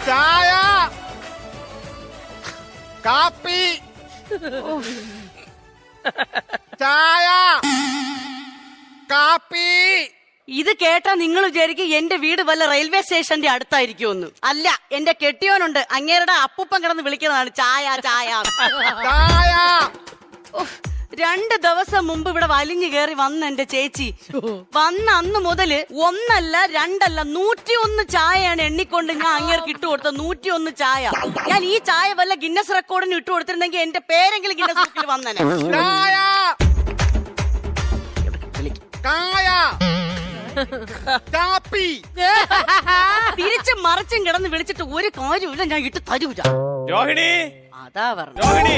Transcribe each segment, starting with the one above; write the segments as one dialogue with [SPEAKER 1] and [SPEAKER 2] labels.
[SPEAKER 1] ചായ, കാപ്പി, ചായ, കാപ്പി.
[SPEAKER 2] ഇത് കേട്ടാ നിങ്ങൾ വിചാരിക്കും എന്റെ വീട് വല്ല റെയിൽവേ സ്റ്റേഷന്റെ അടുത്തായിരിക്കുമെന്ന്. അല്ല, എന്റെ കെട്ടിയോനുണ്ട്, അങ്ങേരുടെ അപ്പൂപ്പൻ കിടന്ന് വിളിക്കുന്നതാണ് ചായ ചായ
[SPEAKER 1] ചായ.
[SPEAKER 2] 2 ദിവസം മുമ്പ് ഇവിടെ വലിഞ്ഞു കയറി വന്ന എന്റെ ചേച്ചി വന്ന അന്ന് മുതല് 1 അല്ല 2 അല്ല 101 ചായയാണ് എണ്ണിക്കൊണ്ട് ഞാൻ അങ്ങേർക്ക് ഇട്ട് കൊടുത്ത. 101 ചായ. ഞാൻ ഈ ചായ വല്ല ഗിന്നസ് റെക്കോർഡിന് ഇട്ട് കൊടുത്തിരുന്നെങ്കിൽ എന്റെ പേരെങ്കിലും ഗിന്നസ് ബുക്കിൽ വന്നനെ.
[SPEAKER 1] ചായ, കായ, കാപ്പി.
[SPEAKER 2] തിരിച്ചും മറിച്ചും കിടന്ന് വിളിച്ചിട്ട് ഒരു കാര്യമില്ല, ഞാൻ ഇട്ട് തരൂല.
[SPEAKER 3] രോഹിണി,
[SPEAKER 2] അതാ പറഞ്ഞു.
[SPEAKER 3] രോഹിണി,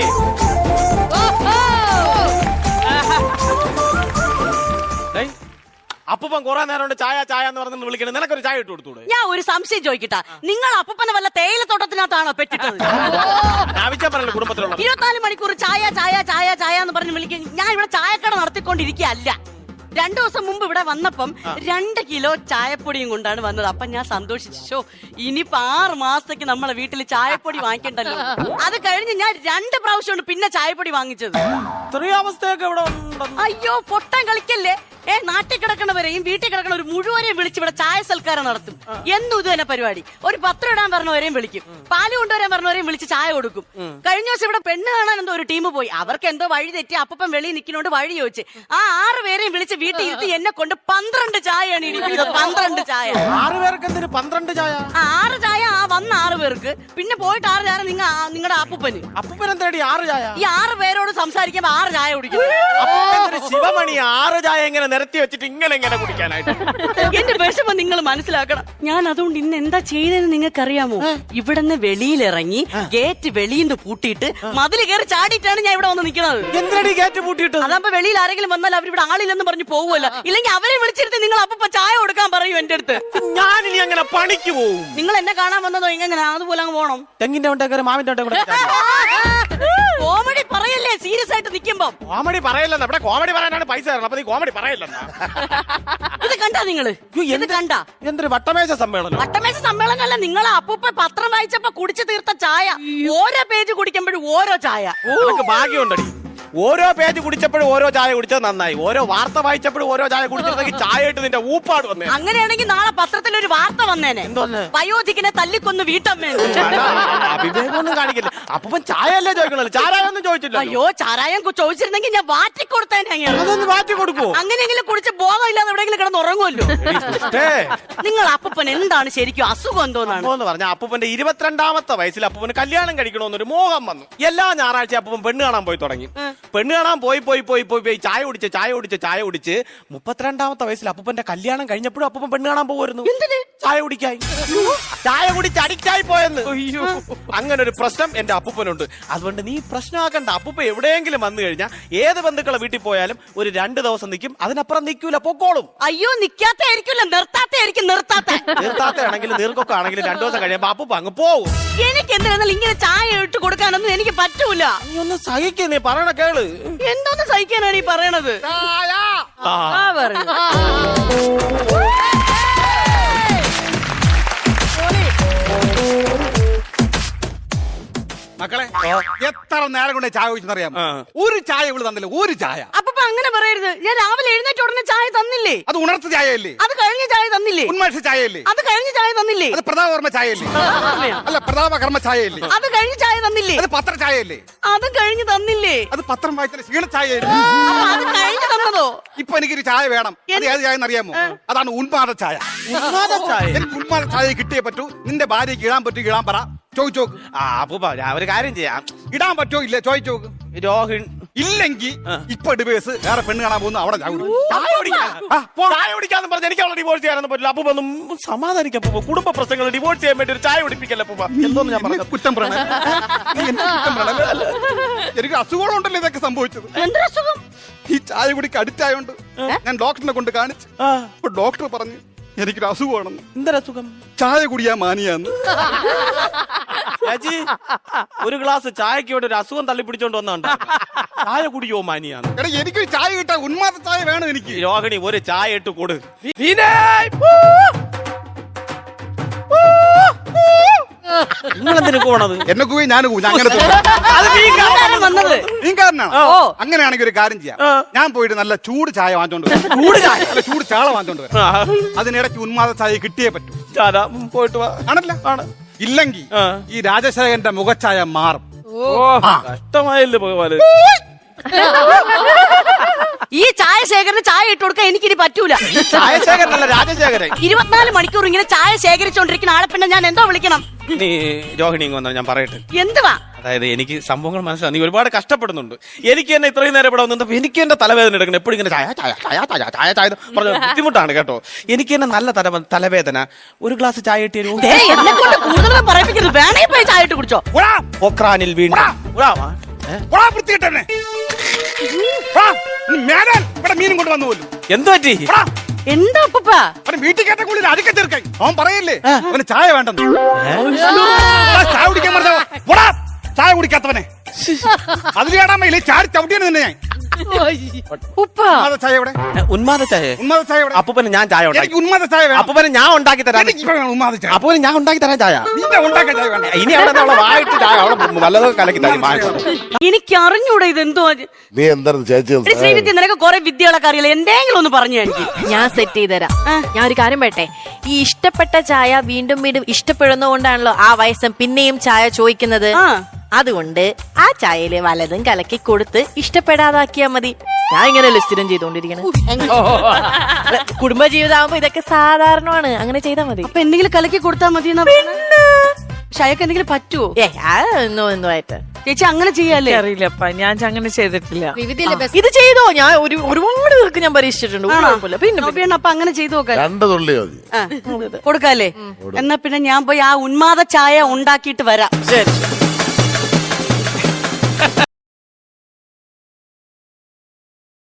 [SPEAKER 3] അപ്പൂപ്പൻ കുറെ നേരം കൊണ്ട് ചായ ചായ എന്ന് പറഞ്ഞ് വിളിക്കണം. നിനക്കൊരു ചായ ഇട്ട് കൊടുത്തൂടെ?
[SPEAKER 2] ഞാൻ ഒരു സംശയം ചോദിക്കട്ടാ, നിങ്ങൾ അപ്പൂപ്പനെ വല്ല തേയിലത്തോട്ടത്തിനകത്താണോ പെട്ടിട്ടത്?
[SPEAKER 3] പറഞ്ഞല്ലോ കുടുംബത്തിലുള്ള
[SPEAKER 2] 24 മണിക്കൂർ ചായ ചായ ചായ ചായ എന്ന് പറഞ്ഞ് വിളിക്കും. ഞാൻ ഇവിടെ ചായക്കട നടത്തിക്കൊണ്ടിരിക്കുകയല്ല. 2 ദിവസം മുമ്പ് ഇവിടെ വന്നപ്പം 2 കിലോ ചായപ്പൊടിയും കൊണ്ടാണ് വന്നത്. അപ്പൊ ഞാൻ സന്തോഷിച്ചോ, ഇനിയിപ്പോ 6 മാസത്തേക്ക് നമ്മളെ വീട്ടിൽ ചായപ്പൊടി വാങ്ങിക്കണ്ടല്ലോ. അത് കഴിഞ്ഞ് ഞാൻ 2 പ്രാവശ്യമാണ് പിന്നെ ചായപ്പൊടി വാങ്ങിച്ചത്.
[SPEAKER 3] ഇത്രയും അവസ്ഥയൊക്കെ ഇവിടെ
[SPEAKER 2] അയ്യോ, പൊട്ടാൻ കളിക്കല്ലേ. നാട്ടിൽ കിടക്കണവരെയും വീട്ടിൽ കിടക്കണ ഒരു മുഴുവനെയും വിളിച്ച് ഇവിടെ ചായ സൽക്കാരം നടത്തും. എന്നും ഇത് തന്നെ പരിപാടി. ഒരു പത്രം ഇടാൻ പറഞ്ഞവരെയും വിളിക്കും, പാല് കൊണ്ടുവരാൻ പറഞ്ഞവരെയും വിളിച്ച് ചായ കൊടുക്കും. കഴിഞ്ഞ ദിവസം ഇവിടെ പെണ്ണ് കാണാൻ എന്തോ ഒരു ടീം പോയി. അവർക്ക് എന്തോ വഴി തെറ്റി അപ്പൂപ്പൻ വെളിയിൽ നിൽക്കുന്നോണ്ട് വഴി ചോദിച്ച് ആ 6 പേരെയും വിളിച്ച് വീട്ടിൽ ഇരുത്തി എന്നെ കൊണ്ട് 12 ചായയാണ് ഇടിപ്പിച്ചത്. 12 ചായ.
[SPEAKER 3] 6 പേർക്ക് എന്തിന് 12 ചായ?
[SPEAKER 2] 6 ചായ ആ വന്ന 6 പേർക്ക്, പിന്നെ പോയിട്ട് 6 ചായ നിങ്ങളുടെ അപ്പൂപ്പന്.
[SPEAKER 3] അപ്പൂപ്പൻ എന്താടി 6 ചായ?
[SPEAKER 2] ഈ 6 പേരോട് സംസാരിക്കുമ്പോ 6 ചായ കുടിക്കും.
[SPEAKER 3] ശിവമണി 6 ചായ എങ്ങനെ നിരത്തി വെച്ചിട്ട് ഇങ്ങനെ കുടിക്കാനായിട്ട്?
[SPEAKER 2] എന്റെ വിഷമം നിങ്ങൾ മനസ്സിലാക്കണം. ഞാൻ അതുകൊണ്ട് ഇന്ന് എന്താ ചെയ്തതെന്ന് നിങ്ങൾക്ക് അറിയാമോ? ഇവിടുന്ന് വെളിയിലിറങ്ങി ഗേറ്റ് വെളിയിൽ നിന്ന് പൂട്ടിയിട്ട് മതില് കയറി ചാടിയിട്ടാണ് ഞാൻ ഇവിടെ വന്ന് നിൽക്കുന്നത്.
[SPEAKER 3] എന്തിനാണ് ഗേറ്റ് പൂട്ടിയിട്ട്?
[SPEAKER 2] അതാകുമ്പോ വെളിയിൽ ആരെങ്കിലും വന്നാൽ അവരിവിടെ ആളില്ലെന്ന് പറഞ്ഞ് പോകുമല്ലോ. ഇല്ലെങ്കിൽ അവരെ വിളിച്ചിരുത്തി നിങ്ങൾ അപ്പൂപ്പ ചായ കൊടുക്കാൻ പറയൂ എന്റെ അടുത്ത്.
[SPEAKER 3] ഞാനിനി അങ്ങനെ പണിക്ക് പോകും.
[SPEAKER 2] നിങ്ങൾ എന്നെ കാണാൻ വന്നതോ എങ്ങനെ? അതുപോലെ അങ്ങ് പോണം.
[SPEAKER 3] തെങ്ങിന്റെ ഉണ്ടാക്കാറ് മാവിന്റെ
[SPEAKER 2] കോമഡി പറയല്ലേ സീരിയസ് ആയിട്ട് നിൽക്കുമ്പോ?
[SPEAKER 3] കോമഡി പറയല്ലെന്ന്. ഇവിടെ കോമഡി പറയാനാണ് പൈസ തരണം. അപ്പൊ നീ കോമഡി പറയല്ലെന്നാ.
[SPEAKER 2] ഇത് കണ്ടാ നിങ്ങള്? ഇത് കണ്ടാ?
[SPEAKER 3] എന്തൊരു വട്ടമേശ സമ്മേളനം?
[SPEAKER 2] വട്ടമേശ സമ്മേളനമല്ല, നിങ്ങളെ അപ്പൂപ്പ പത്രം വായിച്ചപ്പോ കുടിച്ചു തീർത്ത ചായ. ഓരോ പേജ് കുടിക്കുമ്പോഴും ഓരോ ചായ.
[SPEAKER 3] നിനക്ക് ഭാഗ്യമുണ്ടടി. ഓരോ പേജ് കുടിച്ചപ്പോഴും ഓരോ ചായ കുടിച്ചത് നന്നായി. ഓരോ വാർത്ത വായിച്ചപ്പോഴും ഓരോ ചായ കുടിച്ചിരുന്നെങ്കിൽ ചായ ഇട്ട് നിന്റെ ഊപ്പാട് വന്നേ.
[SPEAKER 2] അങ്ങനെയാണെങ്കിൽ നാളെ പത്രത്തിലൊരു വാർത്ത വന്നേനെ. വയോധികനെ തല്ലിക്കൊന്ന് വീട്ടമ്മേ.
[SPEAKER 3] അഭിപ്രായമൊന്നും കാണിക്കില്ല. അപ്പം ചായ അല്ലേ ചോദിക്കണല്ലോ, ചാരായൊന്നും ചോദിച്ചില്ല.
[SPEAKER 2] അയ്യോ, ചാരായം ചോദിച്ചിരുന്നെങ്കിൽ ഞാൻ വാറ്റി കൊടുത്തേനെ.
[SPEAKER 3] അതൊന്ന് വാറ്റി കൊടുക്കൂ.
[SPEAKER 2] അങ്ങനെയെങ്കിലും കുടിച്ച് ബോധമില്ലാതെ എവിടെയെങ്കിലും കിടന്ന് ഉറങ്ങുമല്ലോ. നിങ്ങൾ അപ്പൂപ്പൻ എന്താണ് ശരിക്കും അസുഖം എന്തോന്നാണ്
[SPEAKER 3] പറഞ്ഞ? അപ്പൂപ്പന്റെ 22ാമത്തെ വയസ്സിൽ അപ്പൂപ്പന് കല്യാണം കഴിക്കണമെന്നൊരു മോഹം വന്നു. എല്ലാ ഞായറാഴ്ച അപ്പൂപ്പൻ പെണ്ണ് കാണാൻ പോയി തുടങ്ങി. പെണ്ണ് കാണാൻ പോയി ചായ കുടിച്ച് 32ാമത്തെ വയസ്സിൽ അപ്പൂപ്പന്റെ കല്യാണം കഴിഞ്ഞപ്പോഴും അപ്പൂപ്പൻ പെണ്ണ് കാണാൻ പോകുമായിരുന്നു. ചായ കുടിക്കായി. ചായ കുടിച്ച് അഡിക്റ്റായി പോയെന്ന്. അങ്ങനെ ഒരു പ്രശ്നം എന്റെ അപ്പൂപ്പനുണ്ട്. അതുകൊണ്ട് നീ പ്രശ്നമാക്കണ്ട. അപ്പൂപ്പ എവിടെയെങ്കിലും വന്നു കഴിഞ്ഞാൽ ഏത് ബന്ധുക്കളെ വീട്ടിൽ പോയാലും ഒരു 2 ദിവസം നിൽക്കും. അതിനപ്പുറം നിൽക്കൂല, പൊക്കോളും.
[SPEAKER 2] അയ്യോ, നിക്കാത്തായിരിക്കില്ല,
[SPEAKER 3] നിർത്താത്താണെങ്കിൽ നീർക്കൊക്കെ ആണെങ്കിലും 2 ദിവസം കഴിയുമ്പോ അപ്പൂപ്പ അങ്ങ് പോവും.
[SPEAKER 2] എനിക്ക് എന്തിനാണെങ്കിലും ഇങ്ങനെ ചായ ഇട്ട് കൊടുക്കാനൊന്നും എനിക്ക് പറ്റൂല.
[SPEAKER 3] നീ ഒന്ന് സഹിക്കേ, നീ പറയണ കേള്.
[SPEAKER 2] എന്തോന്ന് സഹിക്കാനാണ് ഈ പറയണത്?
[SPEAKER 1] മക്കളെ, എത്ര നേരം കൊണ്ട് ചായ കുടിച്ചെന്നറിയാം? ഒരു ചായ ഇവിടെ തന്നില്ല, ഒരു ചായ.
[SPEAKER 2] അപ്പൊ അങ്ങനെ പറയരുത്. ഞാൻ രാവിലെ എഴുന്നേറ്റ് ഉടനെ ചായ തന്നില്ലേ?
[SPEAKER 1] അത് ഉണർത്ത ചായയല്ലേ?
[SPEAKER 2] അത് കഴിഞ്ഞ ചായ തന്നില്ലേ?
[SPEAKER 1] ഉന്മേഷ ചായയല്ലേ?
[SPEAKER 2] അത് കഴിഞ്ഞ ചായ തന്നില്ലേ?
[SPEAKER 1] അത് പ്രതാപകർമ്മ ചായയല്ലേ? അല്ല, പ്രതാപകർമ്മ ചായയല്ലേ?
[SPEAKER 2] അത് കഴിഞ്ഞ ചായ തന്നില്ലേ?
[SPEAKER 1] അത് പത്ര ചായയല്ലേ?
[SPEAKER 2] അത് കഴിഞ്ഞ് തന്നില്ലേ?
[SPEAKER 1] അത് പത്രം വായിച്ച ക്ഷീണ ചായയല്ലേ?
[SPEAKER 2] അത് കഴിഞ്ഞ് തന്നതോ?
[SPEAKER 1] ഇപ്പൊ എനിക്കൊരു ചായ വേണം. അത് ഏത് ചായ എന്നറിയാമോ? അതാണ് ഉന്മാദ ചായ. എനിക്ക് ഉന്മാദ ചായ കിട്ടിയേ പറ്റൂ. നിന്റെ ഭാര്യയ്ക്ക് ഇടാൻ പറ്റൂ, ഇടാൻ പറ. ചോദിച്ചോക്ക്.
[SPEAKER 3] അപ്പൂപ്പ ഒരു കാര്യം ചെയ്യാം.
[SPEAKER 1] ഇടാൻ പറ്റോ ഇല്ല ചോദിച്ചോക്ക്.
[SPEAKER 3] രോഹിൺ
[SPEAKER 1] ഇല്ലെങ്കിൽ ഇപ്പൊ ഡിവേഴ്സ്, വേറെ പെണ്ണ് കാണാൻ പോകുന്നു, അവിടെ
[SPEAKER 3] ചായ കുടിക്കാന്ന് പറഞ്ഞ എനിക്ക് അവളെ ഡിവോഴ്സ് ചെയ്യാനൊന്നും പറ്റില്ല. അപ്പൂപ്പ ഒന്നും സമാധാനിക്കാം. കുടുംബ പ്രശ്നങ്ങൾ ഡിവോഴ്സ് ചെയ്യാൻ വേണ്ടി ഒരു ചായ കുടിപ്പിക്കല്ല അപ്പൂപ്പ. എന്തോന്ന് ഞാൻ പറഞ്ഞു?
[SPEAKER 1] കുറ്റം പറയണ. എനിക്ക് അസുഖം ഉണ്ടല്ലോ ഇതൊക്കെ സംഭവിച്ചത്. ഈ ചായ കുടിക്ക് അഡിക്റ്റ് ആയോണ്ട് ഞാൻ ഡോക്ടറിനെ കൊണ്ട് കാണിച്ചു. അപ്പൊ ഡോക്ടർ പറഞ്ഞു എനിക്കൊരു അസുഖമാണെന്ന്.
[SPEAKER 3] എന്തൊരസുഖം?
[SPEAKER 1] ചായ കുടിയാ മാനിയാന്ന്.
[SPEAKER 3] ഒരു ഗ്ലാസ് ചായക്ക് ഇവിടെ ഒരു അസുഖം തള്ളിപ്പിടിച്ചോണ്ട് വന്നുണ്ട്. ചായ കുടിയോ മാനിയാന്ന്?
[SPEAKER 1] എടാ, എനിക്കൊരു ചായ കിട്ടാ, ഉന്മാദ ചായ വേണം എനിക്ക്.
[SPEAKER 3] രോഹിണി ഒരു ചായ ഇട്ട് കൊടു. നിങ്ങളെന്തിനു പോണത്?
[SPEAKER 1] എന്നെ കൂവി ഞാൻ കൂവി അങ്ങനെ
[SPEAKER 3] അത്
[SPEAKER 2] ഇതാരാ വന്നത്?
[SPEAKER 1] നീങ്കാരനാണ്.
[SPEAKER 2] ഓ.
[SPEAKER 1] അങ്ങനെയാണെങ്കിൽ ഒരു കാര്യം ചെയ്യാം. ഞാൻ പോയിട്ട് നല്ല ചൂട് ചായ വാങ്ങിച്ചോണ്ട് വരാം.
[SPEAKER 3] ചൂട് ചായ?
[SPEAKER 1] നല്ല ചൂട് ചാള വാങ്ങിച്ചോണ്ട് വരാം. അതിനിടയ്ക്ക് ഉന്മാദ ചായ കിട്ടിയേ പറ്റൂ.
[SPEAKER 3] പോയിട്ട് വാ.
[SPEAKER 1] ആണല്ല?
[SPEAKER 3] ആണ്.
[SPEAKER 1] ഇല്ലെങ്കിൽ ഈ രാജശേഖരന്റെ മുഖച്ഛായ മാറും.
[SPEAKER 3] കഷ്ടമായല്ലേ ഭഗവാന്.
[SPEAKER 2] ഈ ചായ ശേഖരന് ചായ ഇട്ട് കൊടുക്കാൻ എനിക്കിനി പറ്റൂല.
[SPEAKER 3] ചായശേഖരനല്ല, രാജശേഖരൻ.
[SPEAKER 2] 24 മണിക്കൂർ ഇങ്ങനെ ചായ ശേഖരിച്ചോണ്ടിരിക്കുന്ന ആളെ പിന്നെ ഞാൻ എന്തോ വിളിക്കണം?
[SPEAKER 3] നീ രോഹിണി വന്നോ, ഞാൻ പറയട്ടെ.
[SPEAKER 2] എന്തുവാ?
[SPEAKER 3] അതായത് എനിക്ക് സംഭവങ്ങൾ മനസ്സിലാവും. നീ ഒരുപാട് കഷ്ടപ്പെടുന്നുണ്ട്. എനിക്ക് തന്നെ ഇത്രയും നേരം ഇവിടെ വന്നിട്ട് എനിക്ക് എന്റെ തലവേദന എടുക്കണം. എപ്പോഴും ഇങ്ങനെ ചായ ചായ ചായ ചായ ചായ ചായ പറഞ്ഞ ബുദ്ധിമുട്ടാണ് കേട്ടോ. എനിക്ക് തന്നെ നല്ല തലവേദന. ഒരു ഗ്ലാസ് ചായ ഇട്ടി തരൂ.
[SPEAKER 2] എന്നെ കൊണ്ട് കൂടുതൽ പറയിപ്പിക്കരുത്. വേണേ പോയി ചായ ഇട്ട് കുടിച്ചോ.
[SPEAKER 3] ഒക്രാനിൽ വീണ്ടും
[SPEAKER 1] ഇവിടെ മീനും കൊണ്ട് വന്നു പോലും.
[SPEAKER 3] എന്ത് പറ്റി?
[SPEAKER 2] എന്താ അപ്പൂപ്പാ?
[SPEAKER 1] വീട്ടിൽ കേട്ട കൂടുതൽ അധിക ചേർക്കായി അവൻ പറയല്ലേ അവന് ചായ വേണ്ടെന്ന്. ചായ കുടിക്കാൻ പറഞ്ഞ ചായ കുടിക്കാത്തവനെ അതിൽ കേടാമയില്ലേ ചാടി ചവിട്ടിയാണ് തന്നെ ഞാൻ.
[SPEAKER 2] ഉപ്പാ
[SPEAKER 1] ഉന്മാദ ചായ എവിടെ?
[SPEAKER 3] ഉന്മാദ ചായ?
[SPEAKER 1] ഉന്മാദ ചായ എവിടെ?
[SPEAKER 3] അപ്പൂപ്പന് ഞാൻ ചായ
[SPEAKER 1] എനിക്ക്
[SPEAKER 3] ഉണ്ടാക്കി.
[SPEAKER 1] ഉന്മാദ ചായ വേണം.
[SPEAKER 3] അപ്പൂപ്പന് ഞാൻ ഉണ്ടാക്കി തരാം.
[SPEAKER 1] എനിക്ക് ഇപ്പൊ വേണം ഉന്മാദ ചായ.
[SPEAKER 3] അപ്പൂപ്പന് ഞാൻ ഉണ്ടാക്കി തരാൻ ചായ.
[SPEAKER 1] നിന്റെ ഉണ്ടാക്കാൻ ചായ വേണ്ട.
[SPEAKER 3] ഇനി അവിടെ അവളെ വായിട്ട് ചായ അവളെ വല്ലതും കലക്കി തരും.
[SPEAKER 2] എനിക്ക് അറിഞ്ഞൂടെ ഇതെന്തോ.
[SPEAKER 4] നീ എന്തായിരുന്നു ചേച്ചി?
[SPEAKER 2] എടി ശ്രീവിദ്യ, നിനക്ക് കുറെ വിദ്യകളൊക്കെ അറിയില്ല. എന്തെങ്കിലും ഒന്ന് പറഞ്ഞു എനിക്ക്.
[SPEAKER 5] ഞാൻ സെറ്റ് ചെയ്തുതരാം. ഞാൻ ഒരു കാര്യം പറയട്ടെ, ഈ ഇഷ്ടപ്പെട്ട ചായ വീണ്ടും വീണ്ടും ഇഷ്ടപ്പെടുന്നതുകൊണ്ടാണല്ലോ ആ വയസ്സൻ പിന്നെയും ചായ ചോദിക്കുന്നത്. അതുകൊണ്ട് ആ ചായയില് വലതും കലക്കി കൊടുത്ത് ഇഷ്ടപ്പെടാതാക്കിയാ മതി. ഞാൻ ഇങ്ങനെയല്ലേ സ്ഥിരം ചെയ്തോണ്ടിരിക്കണേ. കുടുംബജീവിതമാകുമ്പോ ഇതൊക്കെ സാധാരണമാണ്. അങ്ങനെ ചെയ്താൽ മതി.
[SPEAKER 2] അപ്പൊ എന്തെങ്കിലും കലക്കി കൊടുത്താൽ മതി. പക്ഷെ അയാൾക്ക് എന്തെങ്കിലും പറ്റുമോ?
[SPEAKER 5] എന്തോ ആയിട്ട്
[SPEAKER 2] ചേച്ചി അങ്ങനെ ചെയ്യാല്ലേ?
[SPEAKER 6] അറിയില്ലപ്പ, ഞാൻ അങ്ങനെ ചെയ്തിട്ടില്ല.
[SPEAKER 5] ഇത് ചെയ്തോ? ഞാൻ ഒരുപാട് പേർക്ക് ഞാൻ പരീക്ഷിച്ചിട്ടുണ്ട്. ഒരു കുഴപ്പമില്ല. പിന്നെ
[SPEAKER 2] അപ്പൊ അങ്ങനെ ചെയ്തു നോക്കാം.
[SPEAKER 4] 2 തുള്ളി മതി.
[SPEAKER 2] കൊടുക്കാല്ലേ? എന്നാ പിന്നെ ഞാൻ പോയി ആ ഉന്മാദ ചായ ഉണ്ടാക്കിയിട്ട് വരാം.
[SPEAKER 5] ശരി.